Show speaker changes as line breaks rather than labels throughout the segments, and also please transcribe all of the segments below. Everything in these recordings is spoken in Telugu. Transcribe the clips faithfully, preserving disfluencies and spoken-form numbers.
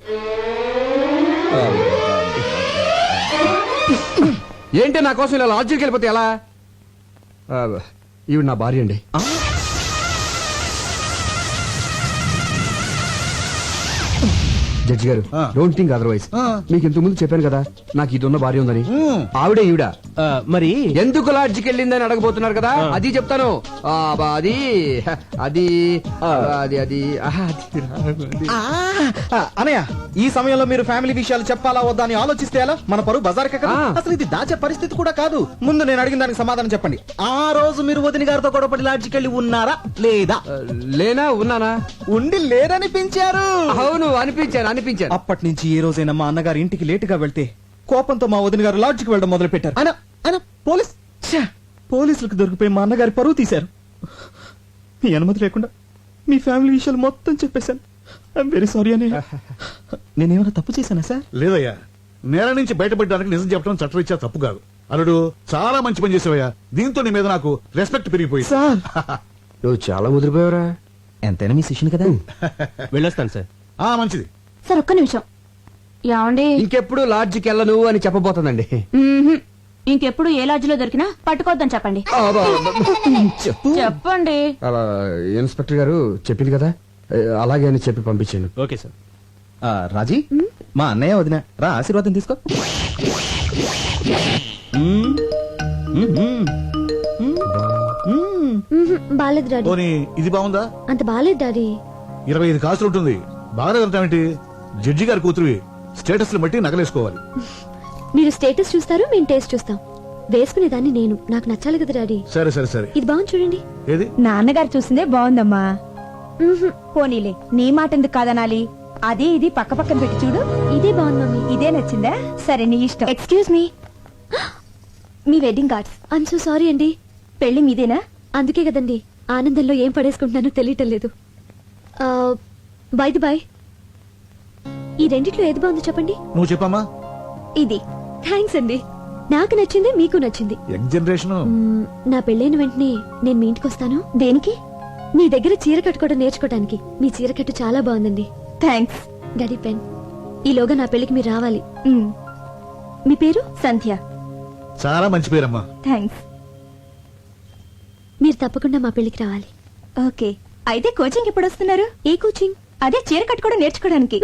ఏంటి నా కోసం ఇలా లాడ్జికి వెళ్ళిపోతే ఎలా? ఈవిడ నా భార్య అండి. జడ్జి గారు, డోంట్ థింక్ అదర్వైజ్. మీకు ఇంతకు ముందు చెప్పాను కదా నాకు ఇది ఉన్న భార్య ఉందని. ఆవిడే ఈవిడ.
మరి
ఎందుకు లాడ్జికి వెళ్ళిందని అడగబోతున్నారు కదా, అది చెప్తాను. అది అది అది అది
అనయ్య, ఈ సమయంలో మీరు ఫ్యామిలీ విషయాలు చెప్పాలా వద్దా అని ఆలోచిస్తే ఎలా? మన పరువు బజార్కే కదా. అసలు ఇది దాచే పరిస్థితి కూడా కాదు. ముందు నేను అడిగిన దానికి సమాధానం చెప్పండి. ఆ రోజు మీరు వదిన గారితో గొడవపడి లాడ్జికి వెళ్ళి ఉన్నారా లేదా?
లేనా? ఉన్నానా?
ఉండి లేరనిపించారు.
అవును, అనిపించారు అనిపించారు.
అప్పటి నుంచి ఏ రోజైనా మా అన్నగారు ఇంటికి లేటుగా వెళ్తే కోపంతో మా వదిన గారు లాడ్జికి వెళ్ళడం మొదలు పెట్టారు. ఆయన ఆయన పోలీస్ పోలీసులకు దొరికిపోయి మా అన్నగారి పరువు తీశారు. మీ అనుమతి లేకుండా మీ ఫ్యామిలీ విషయాలు మొత్తం చెప్పేశాను. ఐఎమ్ వెరీ సారీ అని. నేనేమైనా తప్పు చేశానా సార్?
లేదయ్యా, నేల నుంచి బయటపడడానికి నిజం చెప్పడం చట్టరీత్యా తప్పు కాదు. అల్లుడు, చాలా మంచి పని చేసావయ్యా. దీంతో నీ మీద నాకు రెస్పెక్ట్ పెరిగిపోయింది.
సార్
నువ్వు చాలా ముదిరిపోయావురా.
ఎంతైనా మీ శిష్యుని కదా.
వెళ్ళొస్తాను సార్.
ఆ మంచిది
సార్. ఒక్క నిమిషం. ఏమండి,
ఇంకెప్పుడు లాడ్జికి వెళ్ళను అని చెప్పబోతుందండి.
ఇంకెప్పుడు ఏ లాడ్జిలో దొరికినా పట్టుకోవద్దని చెప్పండి. చెప్పండి.
ఇన్స్పెక్టర్ గారు చెప్పింది కదా, అలాగే అని చెప్పి పంపించాను.
Okay sir. రాజీ, మా అన్నయ్య వదిన రా, ఆశీర్వాదం తీసుకో.
బాలేదు డాడీ.
పోనీ ఇది బాగుందా?
అంత బాలేదు డాడీ.
ఇరవై ఐదు కాసులు ఉంటుంది. బాగా వెళ్తామేంటి? జడ్జి గారి కూతురువి, స్టేటస్ బట్టి నగలేసుకోవాలి.
మీరు స్టేటస్ చూస్తారు, మేము టేస్ట్ చూస్తాం. వేసుకునేదాన్ని నేను, నాకు నచ్చాలి కదా డాడీ.
సరే సరే సరే.
ఇది బాగుంది చూడండి.
ఏది?
నాన్నగారు చూసిందే బాగుందమ్మా. పోనీలే, నీ మాట ఎందుకు కాదనాలి? అదే ఇది పక్క పక్కన పెట్టి చూడు.
ఇదే బాగుంది మమ్మీ.
ఇదే నచ్చిందా? సరే, నీ ఇష్టం. ఎక్స్క్యూజ్ మీ, మీ wedding cards.
I'm so sorry అండి.
పెళ్లి మీదేనా?
అందుకే కదండి ఆనందంలో ఏం పడేసుకుంటున్నానో తెలియటం లేదు. బై ది బై, ఈ రెండిట్లో ఏది బాగుందో చెప్పండి.
నువ్వు చెప్పమ్మా.
ఇది.
థ్యాంక్స్ అండి. నాకు నచ్చింది, మీకు నచ్చింది.
Young generation.
నా పెళ్ళైన వెంటనే నేను మీ ఇంటికి వస్తాను.
దేనికి?
మీ దగ్గర చీర కట్టుకోవడం నేర్చుకోవడానికి. మీ చీర కట్టు చాలా బాగుందండి.
థ్యాంక్స్.
Daddy pen. ఈలోగా నా పెళ్లికి మీరు రావాలి.
మ్.
మీ పేరు?
సంధ్య.
చాలా మంచి పేరమ్మా.
థ్యాంక్స్.
మీరు తప్పకుండా మా పెళ్లికి రావాలి.
ఓకే. అయితే కోచింగ్ ఎప్పుడు వస్తున్నారు?
ఏ కోచింగ్?
అదే చీర కట్టుకోవడం నేర్చుకోవడానికి.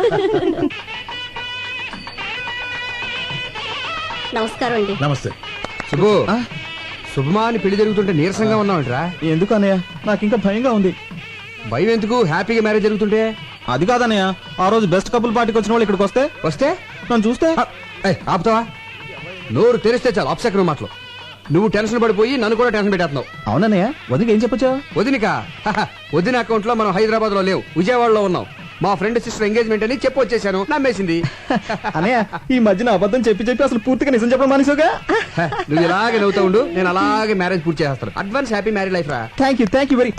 నమస్కారం అండి.
నమస్తే.
శుభు, శుభమా అని పెళ్లి జరుగుతుంటే నీరసంగా ఉన్నావంటరా?
ఎందుకు అన్నయ్య, నాకు ఇంకా భయంగా ఉంది.
భయం ఎందుకు? హ్యాపీగా మ్యారేజ్ జరుగుతుంటే.
అది కాదన్నయ్య, ఆ రోజు బెస్ట్ కపుల్ పార్టీకి వచ్చిన వాళ్ళు ఇక్కడికి వస్తే
వస్తే
నన్ను చూస్తే
ఆపుతావా? నోరు తెరిస్తే చాలు అప్సెకరం మాటలు. నువ్వు టెన్షన్ పడిపోయి నన్ను కూడా టెన్షన్ పెట్టేస్తున్నావు.
అవునన్నయ్య, వదిలికి ఏం చెప్పొచ్చా?
వదినిక వదిన అకౌంట్ లో మనం హైదరాబాద్ లో లేవు, విజయవాడలో ఉన్నాం. మా ఫ్రెండ్ సిస్టర్ ఎంగేజ్మెంట్ అని చెప్పి వచ్చేసాను. నమ్మేసింది.
అన్నయ్య, ఈ మధ్యన అబద్ధం చెప్పి చెప్పి అసలు పూర్తిగా నిజం చెప్పడం మానేసావుగా.
నువ్వు ఇలాగే నవ్వుతా ఉండు, నేను అలాగే మ్యారేజ్ పూర్తి చేస్తాను. అడ్వాన్స్ హ్యాపీ మ్యారేజ్ లైఫ్ రా.
Thank you thank you very.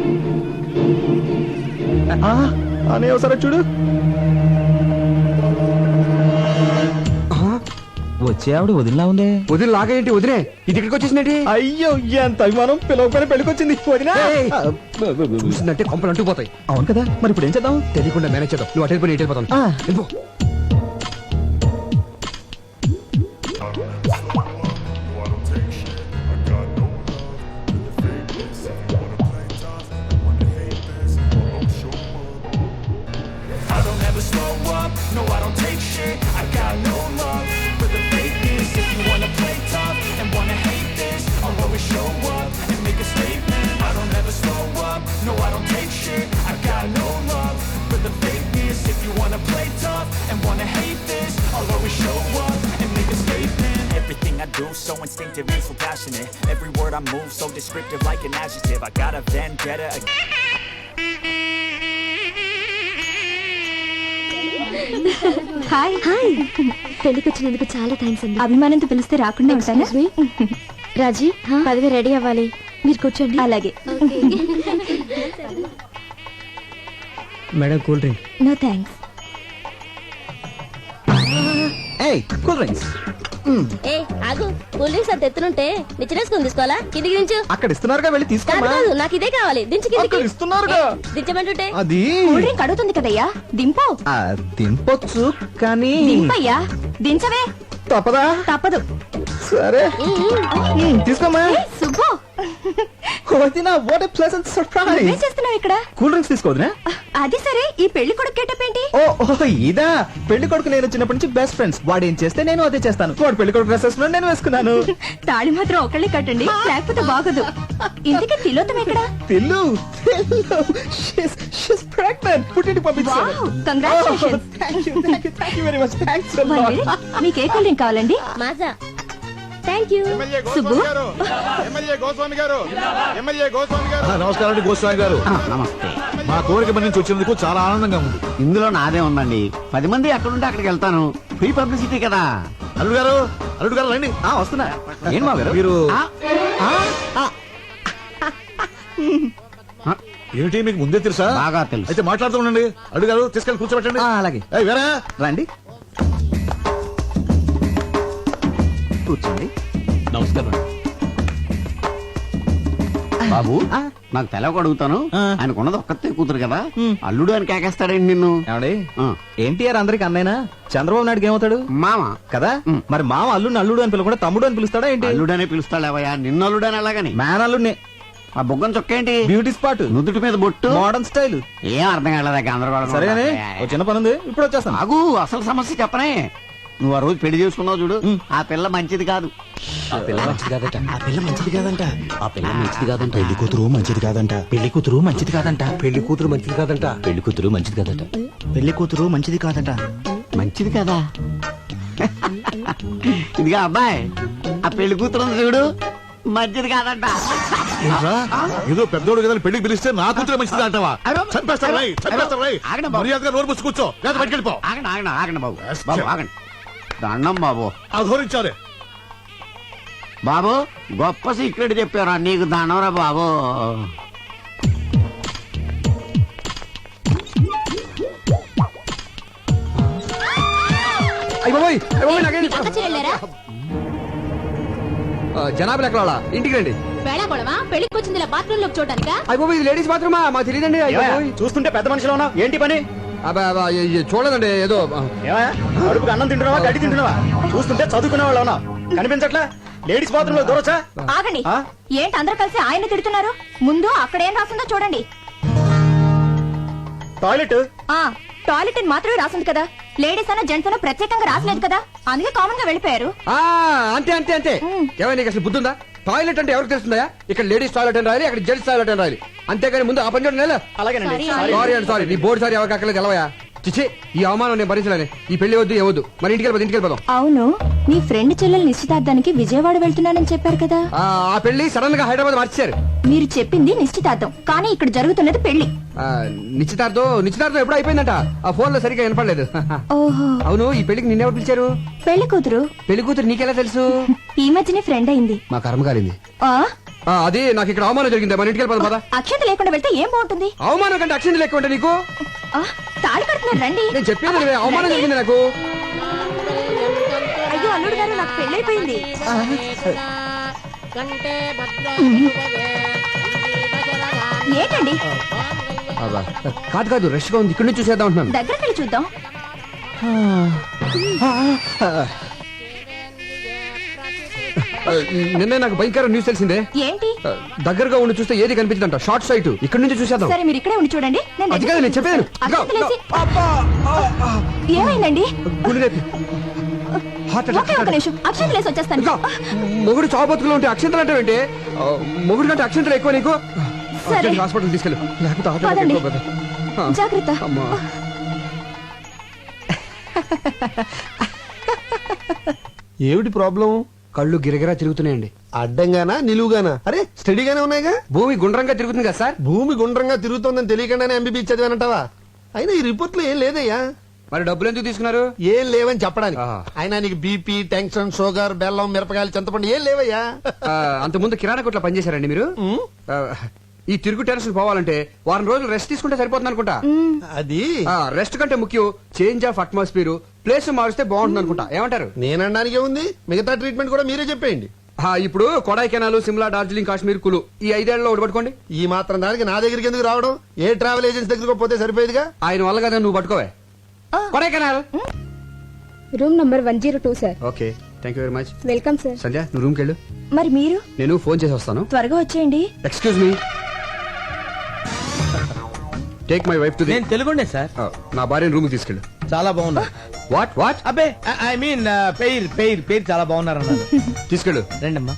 అన్నయ్య ఒకసారి చూడు. వచ్చే ఆవిడ వదిలిలా ఉందే.
వదిన లాగేంటి? వదిలే ఇది ఇక్కడికి వచ్చేసిందేంటి?
అయ్యో, ఎంత అభిమానం. పిలవకపోయినా పెళ్ళికొచ్చింది వదినా.
చూసిందంటే కొంపలు అంటుకుపోతాయి.
అవును కదా, మరి ఇప్పుడు ఏం చేద్దాం?
తెలియకుండా మేనేజ్ చేద్దాం. నువ్వు అటెండ్ పోయి ఇటు వెళ్ళిపోతాను. వెళ్ళిపో.
So instinctive and so passionate. Every word I move so descriptive like an adjective. I got a vendetta.
Hi hi. పెళ్లికి వచ్చినందుకు చాలా థ్యాంక్స్ అండి.
అభిమానంతో పిలిస్తే రాకుండా ఉంటానా?
రాజీ, పదవి రెడీ అవ్వాలి. మీరు కూర్చోండి.
అలాగే.
Madam, cool drink.
No thanks.
ఏయ్, కూల్ డ్రింక్స్.
ఏ ఆగు కూల్ డ్రింక్స్ అంత ఎత్తునుంటే నిచ్చినేసుకుని తీసుకోవాలా కిందికి దించు.
అక్కడ ఇస్తున్నారుగా వెళ్ళి
కాదు
తీసుకోమా.
కాదు నాకు ఇదే కావాలి దించు కిందికి.
అక్కడ ఇస్తున్నారుగా.
ఏ, దించమంటుంటే
అది
కూల్ డ్రింక్ అడుగుతుంది కదయ్యా దింపు
ఆ, తినపొచ్చు కానీ
దింపయ్యా దించవే
తప్పదా.
తప్పదు
సరే ఉమ్, తీసుకోమా.
ఏ, సుబ్బు
వదినా, what a pleasant surprise.
ఏం చేస్తున్నావు ఇక్కడ
కూల్ డ్రింక్స్ తీసుకోవద్దునా.
అది సరే ఈ పెళ్లి కొడుకు గెటప్ ఏంటి
ఓ ఓ, ఇదా పెళ్లి కొడుకు నేను చిన్నప్పటి నుంచి బెస్ట్ ఫ్రెండ్స్. వాడు ఏం చేస్తే నేను అదే చేస్తాను. వాడు పెళ్లి కొడుకు డ్రెస్ వేసుకున్నాడు, నేను వేసుకున్నాను.
తాళి మాత్రం ఒకళ్ళే కట్టండి లేకపోతే బాగోదు. ఇంతకీ తిలోతం ఎక్కడ
తెల్లు తెల్లు she's she's pregnant. పుట్టింటికి పంపించాను.
Wow, congratulations.
Thank you thank you thank you very much. Thanks a
one
lot.
Minute, మీకు ఏ కూల్ డ్రింక్ కావాలండి
Maaza thank you.
Subbu
MLA Goswami గారు ఎమ్మెల్యే గోస్వామి గారు
ఆ, నమస్కారం అండి గోస్వామి గారు.
నమస్తే.
మా కోరిక మన నుంచి వచ్చినందుకు చాలా ఆనందంగా ఉంది.
ఇందులో నాదే ఉందండి. పది మంది ఎక్కడుంటే అక్కడికి వెళ్తాను. ఫ్రీ పబ్లిసిటీ కదా.
అల్లుడు గారు అల్లుడు గారు రండి.
ఆ, వస్తున్నా. ఏం మా గారు
మీరు
ఆ,
ఏమిటి మీకు ముందే తెలుసా?
బాగా తెలుసు.
అయితే మాట్లాడుతూ ఉండండి. అల్లుడు గారు తీసుకెళ్ళి కూర్చోబెట్టండి.
ఆ, అలాగే
ఏయ్, వేరా
రండి కూర్చోండి.
నమస్కారం.
బాబు
ఆ.
నాకు తెలవక అడుగుతాను.
ఆ.
ఆయనకున్నది ఒక్కతే కూతురు కదా.
ఉమ్.
అల్లుడు అని కేకేస్తాడండి నిన్ను.
ఏమండి
ఆ.
ఎన్టీఆర్ అందరికి అన్నైనా చంద్రబాబు నాయుడుకి ఏమవుతాడు
మామ
కదా.
ఉమ్.
మరి మామ అల్లుడిని అల్లుడు అని పిలవకుండా తమ్ముడు అని పిలుస్తాడా ఏంటి?
అల్లుడనే పిలుస్తాడేవయ్యా. నిన్ను అల్లుడని అలాగని.
మ్యాన్ అల్లుడిని.
ఆ బుగ్గం చొక్కేంటి?
బ్యూటీ స్పాట్,
నుదుటి మీద బొట్టు.
Modern style.
ఏం అర్థం కాలేదా గందరగోళం?
సరేగానే ఓ చిన్న పని ఉంది, ఇప్పుడు వచ్చేస్తాను.
ఆగు, అసలు సమస్య చెప్పనే. నువ్వు ఆ రోజు పెళ్లి చేసుకున్నావు చూడు, ఆ పిల్ల మంచిది కాదు.
ఆ పిల్ల మంచిది కాదట.
ఆ పిల్ల మంచిది కాదంట ఆ పిల్ల మంచిది కాదంట పెళ్లి కూతురు మంచిది కాదంట పెళ్లి కూతురు మంచిది కాదంట
పెళ్లి కూతురు మంచిది కాదంట.
పెళ్లి కూతురు మంచిది కాదంట పెళ్లి కూతురు మంచిది కాదంట
మంచిది కదా. ఇదిగా అబ్బాయి, ఆ పెళ్లి కూతురు ఉంది చూడు, మంచిది కాదంట.
ఏంట్రా? ఏదో పెద్దోడు కదా అని పెళ్లికి పిలిస్తే నా కూతురు మంచిది అంటావా? చంపేస్తారు రై, చంపేస్తారు రై.
ఆగండి బాబు.
మర్యాదగా నోరు మూసి కూర్చో, లేదా బయటికి వెళ్ళిపో.
ఆగండి ఆగండి ఆగండి బాబు. బాబు ఆగండి. దండం బాబు.
అధోరించారే.
బాబు గొప్ప సీక్రెట్ చెప్పారా నీకు. దండంరా బాబు.
అయ్య బాబోయ్, అయ్య బాబోయ్, నాకేంటి?
అక్క చెల్లెరా
ఆ, జనాభా లెక్కల వాళ్ళ ఇంటికి రండి.
వేళాకోళమా పెళ్లికి వచ్చింది బాత్రూమ్ లోకి చూడటానికా?
అయ్య బాబోయ్, ఇది లేడీస్ బాత్రూమా? మాకు తెలియదండి. అయ్య బాబోయ్.
చూస్తుంటే పెద్ద మనిషిలో ఉన్నావు, ఏంటి పని?
అబ్బా, అబ్బా, ఏ- ఏ, చూడలేదండి ఏదో ఆ,
ఏమయ్యా, అడుపుకి అన్నం తింటున్నావా గడ్డి తింటున్నావా? చూస్తుంటే చదువుకునే వాళ్ళు ఉన్నావు, కనిపించట్లా? లేడీస్ బాత్రూమ్ లో దూరొచ్చా?
ఆగండి.
ఆ?
ఏంటి అందరూ కలిసి ఆయన తిడుతున్నారు? ముందు అక్కడ ఏం రాసిందో చూడండి.
టాయిలెట్.
ఆ టాయిలెట్ అని మాత్రమే రాసింది కదా. లేడీస్ అన్న జెంట్స్ అన్న ప్రత్యేకంగా రాసలేదు కదా, అందుకే కామన్ గా వెళ్ళిపోయారు.
ఆ, అంతే అంతే అంతే. ఏమైనా నీకు అసలు బుద్ధుందా? టాయిలెట్ అంటే ఎవరికి తెలుస్తుందా? ఇక్కడ లేడీస్ టాయిలెట్ అని రాయాలి, అక్కడ జెంట్స్ టాయిలెట్ అని రాయాలి. అంతేగాని ముందు ఆ పని చూడండి.
అలాగేనండి.
సారీ అండి, సారీ. నీ బోర్డు సారీ ఎవరికి అక్కర్లేదు తెలవయా. చిచ్చి, ఈ అవమానం నేను భరించలేను. ఈ పెళ్లి వద్దు ఏవద్దు. మరి ఇంటికి వెళ్ళిపోదు, ఇంటికి వెళ్ళిపోదాం.
అవును, నీ ఫ్రెండ్ చెల్లెలు నిశ్చితార్థానికి విజయవాడ వెళ్తున్నానని చెప్పారు కదా.
ఆ ఆ పెళ్లి సడన్ గా హైదరాబాద్ మార్చారు.
మీరు చెప్పింది నిశ్చితార్థం, కానీ ఇక్కడ జరుగుతున్నది పెళ్లి.
ఆ, నిశ్చితార్థం నిశ్చితార్థం ఎప్పుడు అయిపోయిందంట. ఆ ఫోన్ లో సరిగ్గా వినపడలేదు.
ఓహో,
అవును, ఈ పెళ్లికి నిన్నెవరు పిలిచారు?
పెళ్లి కూతురు
పెళ్లి కూతురు నీకెలా తెలుసు?
ఈ మధ్యనే ఫ్రెండ్ అయింది.
మా కర్మ కాలింది.
ఆ
ఆ, అది నాకు ఇక్కడ అవమానం జరిగింది. మన ఇంటికి వెళ్ళిపోదాం పద.
అక్షంత లేకుండా వెళ్తే ఏం బాగుంటుంది?
అవమానం కంటే అక్షింది లెక్క ఉంటే నీకు.
ఆ, తాళి కడుతున్నారు రండి.
నేను చెప్పేది వినవే, అవమానం జరిగింది నాకు.
అయ్యో అల్లుడు గారు, నాకు పెళ్ళైపోయింది. ఏంటండి?
అబ్బా, కాదు కాదు, రష్ గా ఉంది. ఇక్కడ నుంచి చూసేద్దాం అంటున్నాను.
దగ్గరికి వెళ్ళి చూద్దాం.
ఆ, నిన్నే నాకు భయంకర న్యూస్ తెలిసిందే.
ఏంటి?
ఆ, దగ్గరగా ఉండి చూస్తే ఏది కనిపించదంట. Short site. ఇక్కడ నుంచి చూసేద్దాం.
సరే మీరు ఇక్కడే ఉండి చూడండి. నేను
అది కాదు నేను చెప్పేది.
అక్షంత లేసి- ఏమైందండి?
గుండె నొప్పి. హార్ట్
ఒకే ఒక
అటాక్.
నిమిషం, అక్షంత లేసి వచ్చేస్తాను.
ఇంకా మొగుడు చావబతుకులు ఉంటే అక్షంతలు అంటే ఏంటి? ఆ, మొగుడు కంటే అక్షంతలు ఎక్కువ నీకు.
సరే.
అర్జెంట్ హాస్పిటల్ తీసుకెళ్ళు, లేకపోతే హార్ట్ అటాక్
పదండి.
ఎక్కువ అవుతుంది. ఆ,
జాగ్రత్త.
అమ్మా.
ఏమిటి ప్రాబ్లం?
కళ్ళు గిరగిరా తిరుగుతున్నాయండి.
అడ్డంగానా నిలువుగానా? అరే స్టడీగానే ఉన్నాయిగా.
భూమి గుండ్రంగా తిరుగుతుంది కదా సార్.
భూమి గుండ్రంగా తిరుగుతోందని తెలియకుండానే ఎంబీబీ చదివానంటావా? అయినా ఈ రిపోర్ట్ లో ఏం లేదయ్యా.
మరి డబ్బులు ఎందుకు తీసుకున్నారు?
ఏం లేవని చెప్పడానికి.
ఆ.
అయినా నీకు బీపీ, టెన్షన్, షుగర్, బెల్లం, మిరపకాయలు, చింతపండు ఏం లేవయ్యా.
ఆ, అంత ముందు కిరాణా కొట్లో పనిచేశారండి మీరు?
ఉమ్.
ఆ, ఈ తిరుగు టెన్షన్ పోవాలంటే వారం రోజులు రెస్ట్ తీసుకుంటే సరిపోతుంది అనుకుంటా
అది
రెస్ట్ కంటే ముఖ్యం చేంజ్ ఆఫ్ అట్మాస్ఫియర్ ప్లేస్ మారిస్తే బాగుంటుంది అనుకుంటా ఏమంటారు?
నేనడానికి ఉంది, మిగతా ట్రీట్మెంట్ కూడా మీరే చెప్పేయండి.
ఆ, ఇప్పుడు కొడైకెనాల్, సిమ్లా, డార్జిలింగ్, కాశ్మీర్, కులు ఈ ఐదేళ్లలో ఒకటి పట్టుకోండి.
ఈ మాత్రం దానికి నా దగ్గరికి ఎందుకు రావడం? ఏ ట్రావెల్ ఏజెన్సీ దగ్గరకు పోతే సరిపోయేదిగా.
ఆయన వల్ల కదా నువ్వు పట్టుకోవే Kodaikanal.
Room number one zero two sir.
Okay, thank you very much.
Welcome sir.
Sandhya నువ్వు రూమ్కి వెళ్ళు,
మరి మీరు
నేను ఫోన్ చేసి వస్తాను.
త్వరగా వచ్చేయండి.
Excuse me, take my wife to the.
నేను తెలుగుండే సార్.
నా భార్యను రూమ్ తీసుకెళ్ళు.
చాలా బాగున్నా.
వాట్ వాట్
అబ్బే ఐ మీన్ పేరు పేరు పేరు చాలా బాగున్నారు అన్నారు.
తీసుకెళ్ళు.
రండమ్మా.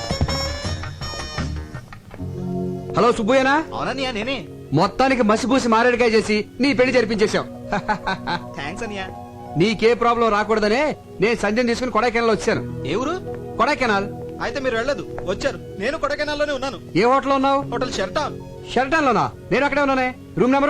హలో సుబ్బయ్యనా?
అవునన్నయ్య నేనే.
మొత్తానికి మసిపూసి మారేడుకాయ చేసి నీ పెళ్లి జరిపించేశావు.
థ్యాంక్స్ అన్నయ్య.
నీకే ప్రాబ్లం రాకూడదనే నేను సంధ్యను తీసుకుని కొడైకెనాల్ వచ్చాను.
ఏ ఊరు?
కొడైకెనాల్.
అయితే మీరు వెళ్ళదు, వచ్చారు. నేను కొడకెనాల్లోనే ఉన్నాను.
ఏ హోటల్ ఉన్నావు?
Hotel Sheraton.
షెల్టన్ లోనా? నేను అక్కడే ఉన్నానే. Room number